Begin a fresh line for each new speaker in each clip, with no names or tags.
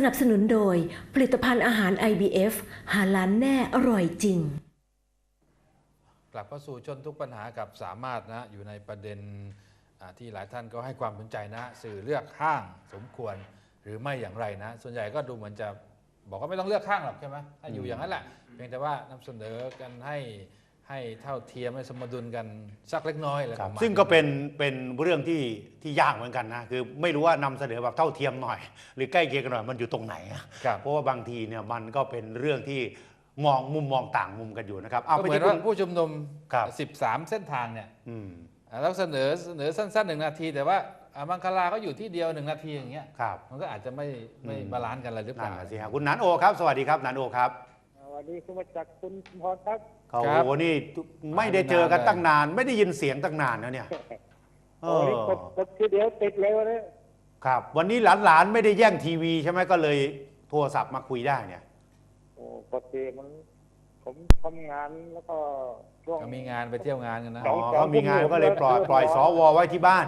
นับสนุนโดยผลิตภัณฑ์อาหาร IBF หาล้านแน่อร่อยจริง
กลับเข้าสู่ชนทุกปัญหากับสามารถนะอยู่ในประเด็นที่หลายท่านก็ให้ความสนใจนะสื่อเลือกข้างสมควรหรือไม่อย่างไรนะส่วนใหญ่ก็ดูเหมือนจะบอกว่าไม่ต้องเลือกข้างหรอกใช่ไหมถ้าอยู่อย่างนั้นแหละเพียงแต่ว่านำเสนอกันให้เท่าเทียมให้สมดุลกันสักเล็กน้อยอะไรประมาณ
ซึ่งก็เป็นเรื่องที่ยากเหมือนกันนะคือไม่รู้ว่านำเสนอแบบเท่าเทียมหน่อยหรือใกล้เคียงกันหน่อยมันอยู่ตรงไหนเพราะว่าบางทีเนี่ยมันก็เป็นเรื่องที่มุมมองต่างมุมกันอยู่นะครับ
ก็เหมือนว่าผู้ชุมนุม13 เส้นทางเนี่ยแล้วเสนอสั้นๆ1 นาทีแต่ว่ามังคลาก็อยู่ที่เดียว1 นาทีอย่างเงี้ยมันก็อาจจะไม่บาลานซ์กันอะไรหรือเปล่า
สิครับคุณนันโอครับสวัสดีครับนันโอครับ
สวัสดีคุณมาจากคุณพรครับ
โอ้โหนี่ไม่ได้เจอกันตั้งนานไม่ได้ยินเสียงตั้งนานนะเนี่ย
โอ้ยกดทีเดียวติดเลยวันนี้
ครับวันนี้หลานไม่ได้แย่งทีวีใช่ไหมก็เลยโทรศัพท์มาคุยได้เนี่ย
โอ้ปกติมันผมทำงานแล้วก็ช่วง
มีงานไปเที่ยวงานกันนะ
เขามีงานก็เลยปล่อยสวไว้ที่บ้าน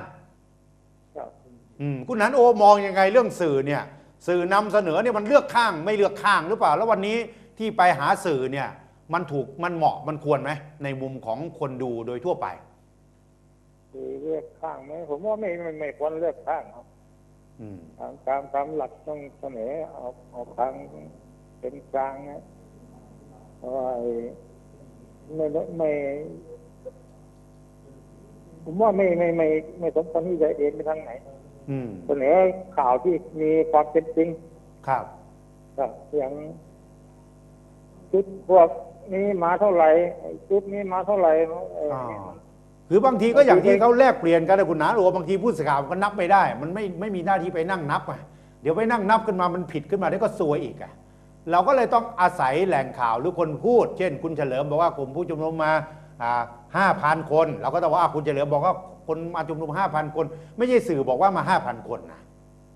คุณนันโอมองยังไงเรื่องสื่อเนี่ยสื่อนำเสนอเนี่ยมันเลือกข้างไม่เลือกข้างหรือเปล่าแล้ววันนี้ที่ไปหาสื่อเนี่ยมันเหมาะมันควรไหมในมุมของคนดูโดยทั่วไป
เลือกข้างไหมผมว่าไม่ควรเลือกข้างครับตามหลักต้องเสนอเอาทางเป็นกลางนะเพราะว่าไม่ผมว่าไม่สมควรที่จะเอ็นไปทางไหนเสนอข่าวที่มีความเป็นจริง
ครับ
อย่างชุดพวกนี้มาเท่าไหร่ชุดนี้มาเท่าไหร่
หรือบางทีก็อย่างที่เขาแลกเปลี่ยนกันนะคุณหนาหรือบางทีผู้สื่อข่าวก็นับไม่ได้มันไม่มีหน้าที่ไปนั่งนับเดี๋ยวไปนั่งนับขึ้นมามันผิดขึ้นมาได้ก็ซวยอีกเราก็เลยต้องอาศัยแหล่งข่าวหรือคนพูดเช่นคุณเฉลิมบอกว่ากลุ่มผู้ชุมนุมมา5,000 คนเราก็ต้องว่าคุณเฉลิมบอกว่าคนมาชุมนุม 5,000 คนไม่ใช่สื่อบอกว่ามา 5,000 คนนะ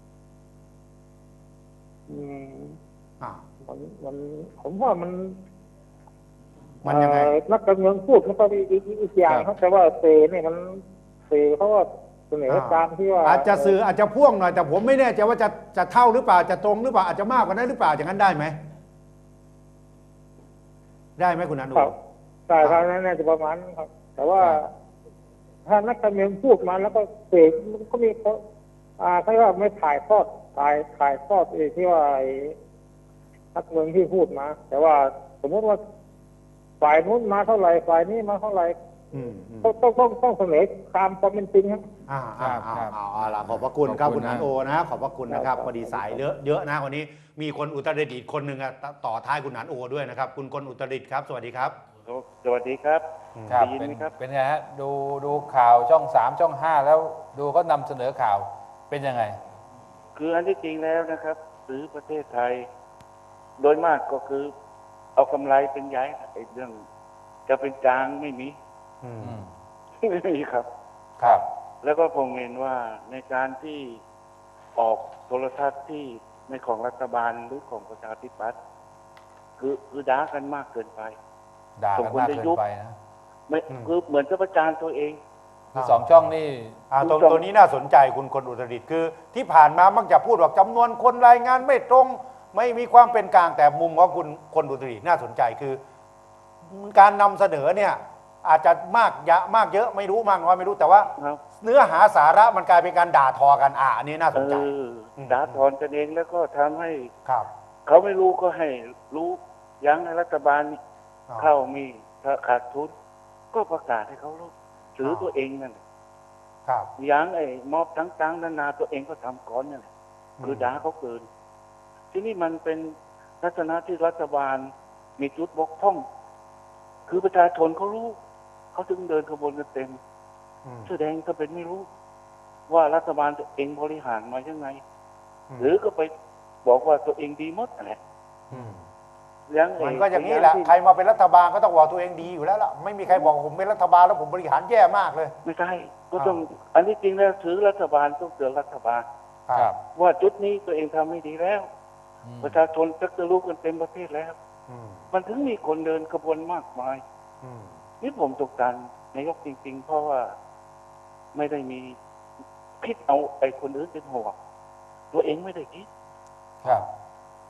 มันผมว่ามัน
ยังไง
นักการเมืองพูดมันก็อีกอย่างครับแต่ว่าเเนี่ยมันเขาว่าเสนอตามที่ว่า
อาจจะสื่ออาจจะพ่วงหน่อยแต่ผมไม่แน่ใจว่าจะเท่าหรือเปล่าจะตรงหรือเปล่าอาจจะมากกว่านั้นหรือเปล่าอย่างนั้นได้ไหมคุณอนุ
ใช่ครับนั่นน่าจะประมาณครับแต่ว่าถ้านักการเมืองพูดมาแล้วก็มันก็มีเขาว่าไม่ถ่ายทอดที่ว่านักเมืองที่พูดมาแต่ว่าสมมติว่าฝ่ายนู้นมาเท่าไหร่ฝ่ายนี้มาเท่าไหร่ต้องเสนอตามความเป็นจริงครับ
ขอบพระคุณครับคุณนันโอนะขอบพระคุณนะครับพอดีสายเยอะนะวันนี้มีคนอุตรดิตถ์คนหนึ่งต่อท้ายคุณนันโอด้วยนะครับคุณคนอุตรดิตถ์ครับสวัสดีครับ
สวัสดีครับ
ได้ยินไหมครับเป็นไงฮะดูข่าวช่อง3ช่อง5แล้วดูเขานำเสนอข่าวเป็นยังไง
คืออันที่จริงแล้วนะครับซื้อประเทศไทยโดยมากก็คือเอากำไรเป็นใหญ่เรื่องจะเป็นกลางไม่มีครับแล้วก็ผมเห็นว่าในการที่ออกโทรทัศน์ที่ในของรัฐบาลหรือของประชาธิปัตย์คือด่ากันมากเกินไป
ด่ากันมากเกินไปนะ
ไม่คือเหมือนจะประจานตัวเอง
คือ2 ช่องนี่
ตัวนี้น่าสนใจคุณคนอุตรดิตถ์คือที่ผ่านมามักจะพูดว่าจำนวนคนรายงานไม่ตรงไม่มีความเป็นกลางแต่มุมของคุณคนอุตรดิตถ์น่าสนใจคือการนำเสนอเนี่ยอาจจะมากเยอะไม่รู้มากน้อยไม่รู้แต่ว่าเนื้อหาสาระมันกลายเป็นการด่าทอกันอันนี้น่าสนใจ
ด่าทอกันเองแล้วก็ทำให้เขาไม่รู้ก็ให้รู้ยั้งให้รัฐบาลเข้ามีถ้าขาดทุนก็ประกาศให้เขารู้ถือตัวเองนั่นยั้งไอ้มอบต่างๆนานาตัวเองก็ทำก่อนนั่นแหละคือด่าเขาเกินที่นี่มันเป็นลักษณะที่รัฐบาลมีจุดบกพร่องคือประชาชนเขารู้เขาจึงเดินขบวนกันเต็มแสดงก็เป็นไม่รู้ว่ารัฐบาลตัวเองบริหารมายังไงหรือก็ไปบอกว่าตัวเองดีหมดอะไร
มันก็อย่างนี้แหละใครมาเป็นรัฐบาลก็ต้องบอกตัวเองดีอยู่แล้วล่ะไม่มีใครบอกผมเป็นรัฐบาลแล้วผมบริหารแย่มากเลย
ไม่ใช่ก็ต้องอันนี้จริงแล้วถือรัฐบาลต้องเตือนรัฐบาลว่าจุดนี้ตัวเองทำไม่ดีแล้วประชาชนจะรู้กันเต็มประเทศแล้วมันถึงมีคนเดินขบวนมากมายนี่ผมตกใจนายกจริงๆเพราะว่าไม่ได้มีคิดเอาไอ้คนอื่นเป็นห่วงตัวเองไม่ได้คิด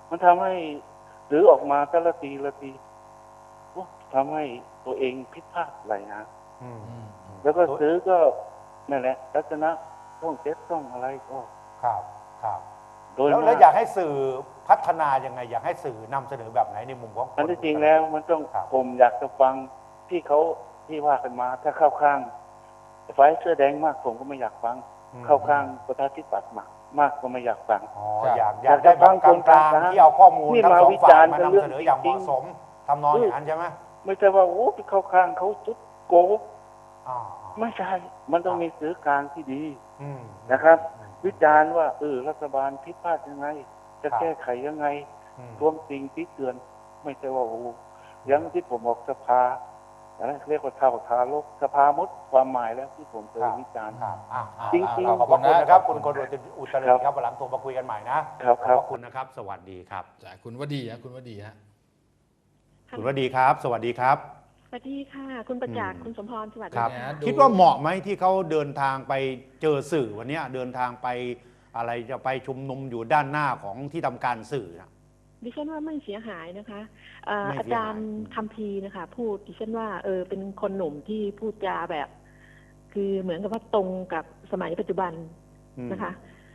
มันทำให้สื่อออกมาแต่ละทีละทีทำให้ตัวเองผิดพลาดหลายอย่างแล้วก็สื่อก็นั่นแหละลักษณะต้องเจ็ดต้องอะไรก็
ครับ
โดย
แล้วอยากให้สื่อพัฒนายังไงอยากให้สื่อนำเสนอแบบไหนในมุมของ
อันที่จริงแล้วมันต้องผมอยากจะฟังที่เขาที่ว่ากันมาถ้าเข้าข้างฝ่ายเสื้อแดงมากผมก็ไม่อยากฟังเข้าข้างประชาธิปัตย์มากก็ไม่อยากฟัง
อยากได้แบบกลางๆที่เอาข้อมูลทั้งสองฝ่ายมานำเสนออย่างเหมาะสมทำนองอย่างนั้นใช่ไหม
ไม่ใช่ว่าโอ้เข้าข้างเขาจุดโกไม่ใช่มันต้องมีสื่อกลางที่ดีนะครับวิจารณ์ว่ารัฐบาลผิดพลาดยังไงจะแก้ไขยังไงรวมสิ่งที่เตือนไม่ใช่ว่าโอ้ยังที่ผมบอกสภาเรียกว่าเท่าทารกสภามุดความหมายแล้วที่ผมเคยวิจารณ์จริงๆ
ขอบคุณนะครับคุณคนอุตริครับวันหลังโทรมาคุยกันใหม่นะขอบคุณนะครับสวัสดีครับ
จากคุณวดีฮะคุณวดีฮะ
คุณวดีครับสวัสดีครับ
สวัสดีค่ะคุณประจักษ์คุณสมพรสวัสดี
ค่ะคิดว่าเหมาะไหมที่เขาเดินทางไปเจอสื่อวันนี้เดินทางไปอะไรจะไปชุมนุมอยู่ด้านหน้าของที่ทำการสื่อนะ
ดิฉันว่าไม่เสียหายนะคะอาจารย์คัมภีร์นะคะพูดดิฉันว่าเป็นคนหนุ่มที่พูดจาแบบคือเหมือนกับว่าตรงกับสมัยปัจจุบันนะคะ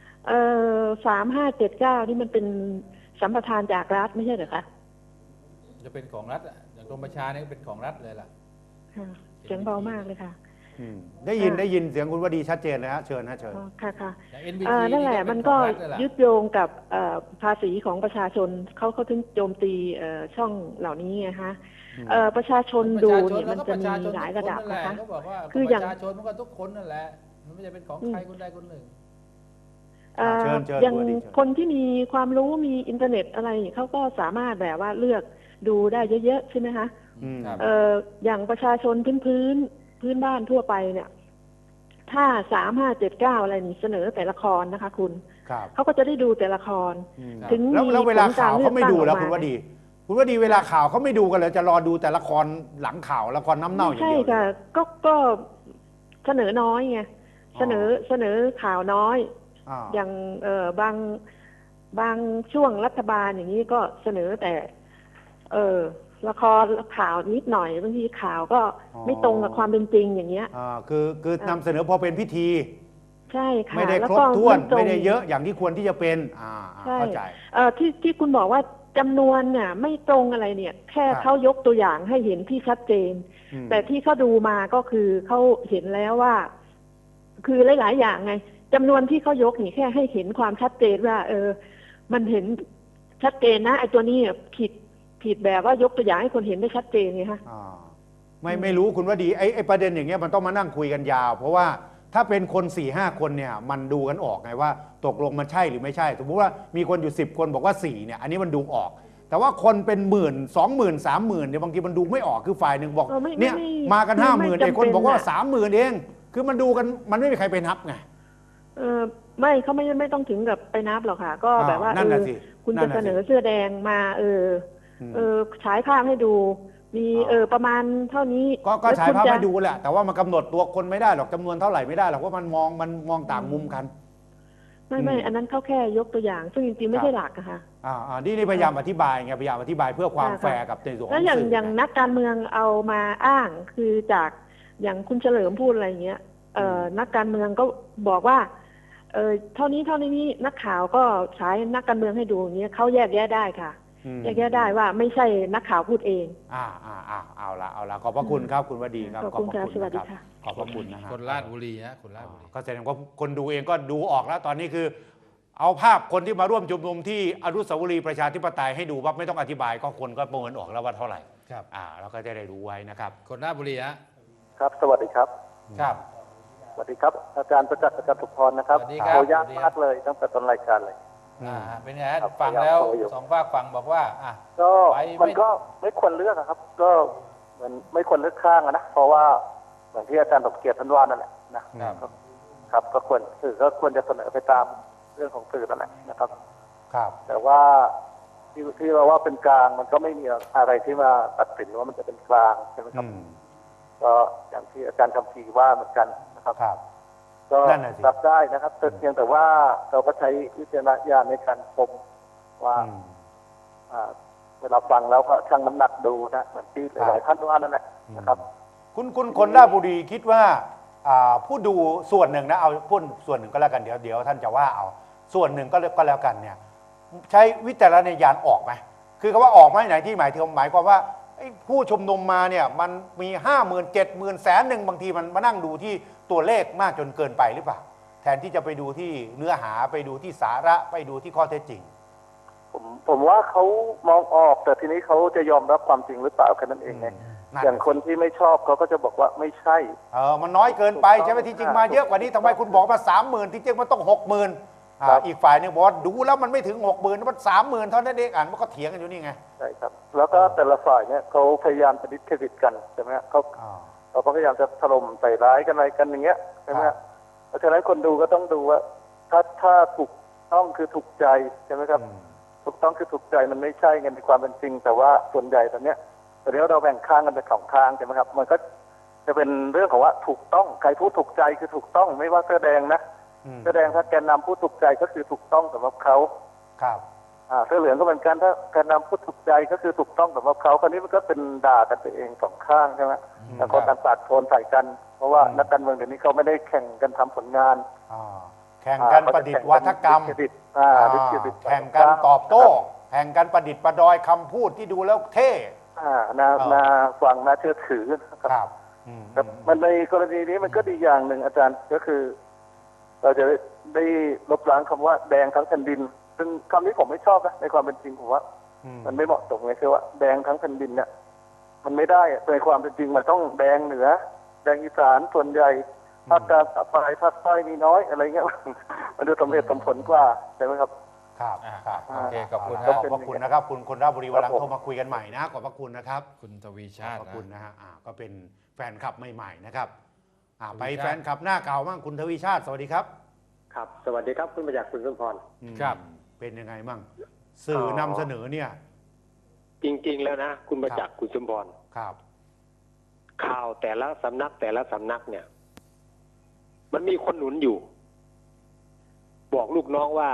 3579นี่มันเป็นสัมปทานจากรัฐไม่ใช่เหรอคะ
จะเป็นของรัฐอย่างกรมประชาเนี่ยเป็นของรัฐเลยล่ะ
เสียงเบามากเลยค่ะ
ได้ยินเสียงคุณวดีชัดเจนเลยฮะเชิญฮะเชิญ
ค่ะนั่นแหละมันก็ยึดโยงกับภาษีของประชาชนเขาถึงโจมตีช่องเหล่านี้ไงฮะประชาชนดูเนี่ยมันจะมีหลายระดับนะคะ
คืออย่างประชาชนมันก็ทุกคนนั่นแหละมันไม่ใช่เป็นของใครคนใดคนหนึ่ง
อย่างคนที่มีความรู้มีอินเทอร์เน็ตอะไรเขาก็สามารถแบบว่าเลือกดูได้เยอะๆใช่ไหมคะอย่างประชาชนพื้นบ้านทั่วไปเนี่ยถ้า3579อะไรนี่เสนอแต่ละครนะคะคุณเขาก็จะได้ดูแต่ละคร
ถึงแล้วเวลาข่าวเขาไม่ดูแล้วคุณวดีเวลาข่าวเขาไม่ดูกันเลยจะรอดูแต่ละครหลังข่าวละครน้ำเน่าอย่างเดียว
ใช่ค่ะก็เสนอน้อยไงเสนอข่าวน้อยอย่างบางช่วงรัฐบาลอย่างนี้ก็เสนอแต่ละครข่าวนิดหน่อยบางทีข่าวก็ไม่ตรงกับความเป็นจริงอย่างเงี้ย
คือนำเสนอพอเป็นพิธี
ใช่ค่ะ
ไม่ได้ครบถ้วนไม่ได้เยอะอย่างที่ควรที่จะเป็นเข้าใจ
ที่คุณบอกว่าจำนวนเนี่ยไม่ตรงอะไรเนี่ยแค่เขายกตัวอย่างให้เห็นที่ชัดเจนแต่ที่เขาดูมาก็คือเขาเห็นแล้วว่าคือหลายๆอย่างไงจำนวนที่เขายกนี่แค่ให้เห็นความชัดเจนว่ามันเห็นชัดเจนนะไอ้ตัวนี้ผิดแบบว่ายกตัวอย่างให้คนเห็นได้ชัดเจนไงฮะ
ไม่รู้คุณว่าดีไอ้ประเด็นอย่างเงี้ยมันต้องมานั่งคุยกันยาวเพราะว่าถ้าเป็นคน 4-5 คนเนี่ยมันดูกันออกไงว่าตกลงมันใช่หรือไม่ใช่สมมติว่ามีคนอยู่10 คนบอกว่า4เนี่ยอันนี้มันดูออกแต่ว่าคนเป็น10,000 20,000 30,000เนี่ยบางทีมันดูไม่ออกคือฝ่ายหนึ่งบอกเนี่ยมากัน50,000ไอ้คนบอกว่า30,000เองคือมันดูกันมันไม่มีใครไปนับไง
ไม่เขาไม่ต้องถึงกับไปนับหรอกค่ะก็แบบว่าคุณจะเสนอเสื้อแดงมาฉายภาพให้ดูมีประมาณเท่านี้
ก็ฉายภาพให้ดูแหละแต่ว่ามันกำหนดตัวคนไม่ได้หรอกจำนวนเท่าไหร่ไม่ได้หรอกว่ามันมองต่างมุมกัน
ไม่อันนั้นเขาแค่ยกตัวอย่างซึ่งจริงๆไม่ใช่หลักอะค่ะ
นี่พยายามอธิบายไงพยายามอธิบายเพื่อความแฟร์กับในส่วนของ
แล้วอย่างนักการเมืองเอามาอ้างคือจากอย่างคุณเฉลิมพูดอะไรอย่างเงี้ยนักการเมืองก็บอกว่าเท่านี้นักข่าวก็ใช้นักการเมืองให้ดูอย่างเงี้ยเขาแยกแยะได้ค่ะแยกแยะได้ว่าไม่ใช่นักข่าวพูดเอง
เอาละขอบพระคุณครับคุณวดีครับ
ขอบคุณครับสวัสดีค่ะ
ขอบพระคุณนะฮะ
คนราชบุรีฮะคนราชบุรี
ก็แสดงว่าคนดูเองก็ดูออกแล้วตอนนี้คือเอาภาพคนที่มาร่วมชุมนุมที่อนุสาวรีย์ประชาธิปไตยให้ดูว่าไม่ต้องอธิบายก็คนก็ประเมินออกแล้วว่าเท่าไหร่
ครับ
เราก็จะได้รู้ไว้นะครับ
คนราชบุรีฮะ
ครับสวัสดีครับ
ครับ
สวัสดีครับอาจารย์ประจักษ์สุพรนะครับขออนุญาตมากเลยตั้งแต่ต้นรายการเลย
เป็นไงฟังแล้วสองฝากฟังบอกว่า
ก็มันก็ไม่ควรเลือกครับก็เหมือนไม่ควรเลือกข้างนะเพราะว่าเหมือนที่อาจารย์สมเกียรติท่านว่านั่นแหละนะครับก็ควรสื่อก็ควรจะเสนอไปตามเรื่องของสื่อนั่นแหละนะครับแต่ว่าที่เราว่าเป็นกลางมันก็ไม่มีอะไรที่มาตัดสินว่ามันจะเป็นกลางใช่ไหมครับก็อย่างที่อาจารย์คำพีว่าเหมือนกันนะครับก็รับได้นะครับแต่เพียงแต่ว่าเราก็ใช้วิจารณญาณในการชมว่าเวลาฟังแล้วก็ชั่งน้ำหนักดูนะเหมือนที่หลายๆท่านว่านั่นแหละนะครับ
คุณคนราชบุรีคิดว่าผู้ดูส่วนหนึ่งนะเอาพูดส่วนหนึ่งก็แล้วกันเดี๋ยวท่านจะว่าเอาส่วนหนึ่งก็แล้วกันเนี่ยใช้วิจารณญาณออกไหมคือคำว่าออกไหมไหนที่หมายความว่าผู้ชุมนุมมาเนี่ยมันมี 50,000 70,000 100,000บางทีมันมานั่งดูที่ตัวเลขมากจนเกินไปหรือเปล่าแทนที่จะไปดูที่เนื้อหาไปดูที่สาระไปดูที่ข้อเท็จจริง
ผมว่าเขามองออกแต่ทีนี้เขาจะยอมรับความจริงหรือเปล่าแค่นั้นเองไงอย่างคนที่ไม่ชอบเขาก็จะบอกว่าไม่ใช่
มันน้อยเกินไปใช่ไหมที่จริงมาเยอะกว่านี้ทำไมคุณบอกมา 30,000 ที่จริงมันต้อง 60,000อีกฝ่ายนึงบอกดูแล้วมันไม่ถึง 60,000มัน 30,000 เท่านั้นเองมันก็เถียงกันอยู่นี่ไง
ใช่ครับแล้วก็แต่ละฝ่ายเนี่ยเขาพยายามจะดิสเครดิตกันใช่ไหมเขาพยายามจะถล่มใส่ร้ายกันอะไรกันอย่างเงี้ยใช่ไหมเพราะฉะนั้นคนดูก็ต้องดูว่าถ้าถูกต้องคือถูกใจใช่ไหมครับถูกต้องคือถูกใจมันไม่ใช่ไงในความเป็นจริงแต่ว่าส่วนใหญ่ตอนเนี้ยเราแบ่งข้างกันเป็น2ข้างใช่ไหมครับมันก็จะเป็นเรื่องของว่าถูกต้องใครพูดถูกใจคือถูกต้องไม่ว่าเสื้อแดงนะเสื้อแดงถ้าแกนนำพูดถูกใจก็คือถูกต้องสำหรับเขา
ครับ
เสื้อเหลืองก็เหมือนกันถ้าแกนนำพูดถูกใจก็คือถูกต้องสำหรับเขาคราวนี้มันก็เป็นด่ากันไปเอง2ข้างใช่ไหมแต่คนต่างปาดโคนใส่กันเพราะว่านักการเมืองเดี๋ยวนี้เขาไม่ได้แข่งกันทำผลงาน
แข่งกันประดิษฐ์วัฒกรรมแข่งกันตอบโต้แข่งกันประดิษฐ์ประดอยคำพูดที่ดูแล้วเท่
นาฟังน่าเชื่อถือครับแต่มันในกรณีนี้มันก็ดีอย่างหนึ่งอาจารย์ก็คือเราจะได้ลบล้างคำว่าแดงทั้งแผ่นดินซึ่งคำนี้ผมไม่ชอบนะในความเป็นจริงผมว่ามันไม่เหมาะสมเลยคือว่าแดงทั้งแผ่นดินเนี่ยมันไม่ได้ในความเป็นจริงมันต้องแดงเหนือแดงอีสานส่วนใหญ่ภาคกลางภาคใต้มีน้อยอะไรเงี้ยมันดูสมเหตุสมผลกว่าใช่ไหมครับ
ครับ
โอเคขอบคุณ
ขอบพระคุณนะครับคุณคนราชบุรีวันหลังโทรมาคุยกันใหม่นะขอบพระคุณนะครับ
คุณทวีชาติ
ขอบคุณนะฮะก็เป็นแฟนคลับใหม่ๆนะครับไปแฟนคลับหน้าเก่าบ้างคุณทวีชาติสวัสดีครับ
ครับสวัสดีครับคุณประจักษ์คุณสมพร
ครับเป็นยังไงมั่งสื่อนำเสนอเนี่ย
จริงๆแล้วนะคุณประจักษ์คุณสมพร
ครับ
ข่าวแต่ละสำนักเนี่ยมันมีคนหนุนอยู่บอกลูกน้องว่า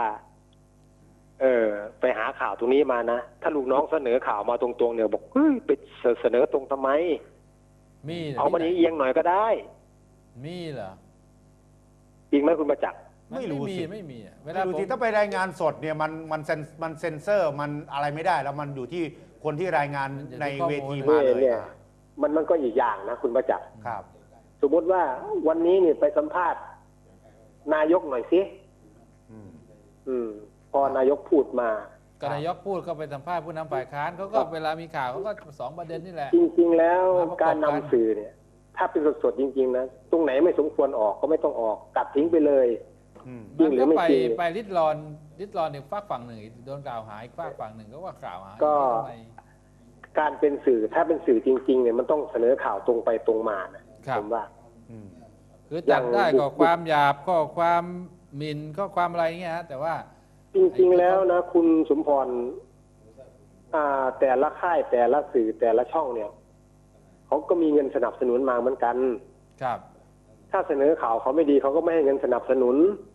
ไปหาข่าวตรงนี้มานะถ้าลูกน้องเสนอข่าวมาตรงๆเนี่ยบอกเฮ้ยไปเสนอตรงทำไมเอามันเอียงหน่อยก็ได้
มีเหรอ
จริงไหมคุณประจักษ์
ไม่รู้สิ
ไม่มี
เวลาที่ถ้าไปรายงานสดเนี่ยมันเซ็นเซอร์มันอะไรไม่ได้แล้วมันอยู่ที่คนที่รายงานในเวทีมาเลย
มันก็อีกอย่างนะคุณประจักษ์
ครับ
สมมติว่าวันนี้เนี่ยไปสัมภาษณ์นายกหน่อยสิพอนายกพูดมา
ก็นายกพูดก็ไปสัมภาษณ์ผู้นำฝ่ายค้านเขาก็เวลามีข่าวเขาก็2ประเด็นนี่แหละ
จริงๆแล้วการนำสื่อเนี่ยถ้าเป็นสดๆจริงๆนะตรงไหนไม่สมควรออกก็ไม่ต้องออกตัดทิ้งไปเลย
จริงหรือไม่จริงไปริดรอนอีกฝากฝั่งหนึ่งโดนกล่าวหาอีกฝากฝั่งหนึ่งก็ว่ากล่าวหา
ก็การเป็นสื่อถ้าเป็นสื่อจริงๆเนี่ยมันต้องเสนอข่าวตรงไปตรงมานะผมว่า
คือจัดได้ก็ความหยาบก็ความหมิ่นก็ความอะไรเงี้ยแต่ว่า
จริงๆแล้วนะคุณสมพรแต่ละค่ายแต่ละสื่อแต่ละช่องเนี่ยเขาก็มีเงินสนับสนุนมาเหมือนกัน
ครับ
ถ้าเสนอข่าวเขาไม่ดีเขาก็ไม่ให้เงินสนับสนุน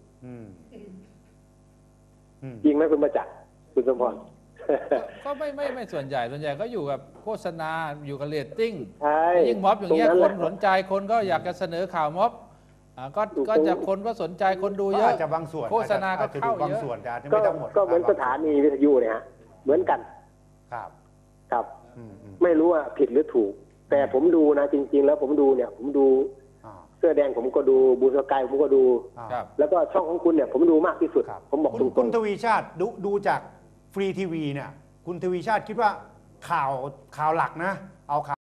จริงไหมคุณประจักษ์คุณสมพร
ก็ไม่ส่วนใหญ่ก็อยู่กับโฆษณาอยู่กับเรตติ้งยิ่งม็อบอย่างเงี้ยคนสนใจคนก็อยากจะเสนอข่าวม็อบก็จะคนก็สนใจคนดูเยอะ
จะบางส่วน
โฆษณาก็เข้าเยอะ
ก็เหมือนสถานีวิทยุเนี่ยฮะเหมือนกันครับไม่รู้ว่าผิดหรือถูกแต่ผมดูนะจริงๆแล้วผมดูเสื้อแดงผมก็ดูบูสกายผมก็ดูแล้วก็ช่องของคุณเนี่ยผมดูมากที่สุดผมบอก
คุณทวีชาติดูจากฟรีทีวีเนี่ยคุณทวีชาติคิดว่าข่าวหลักนะเอา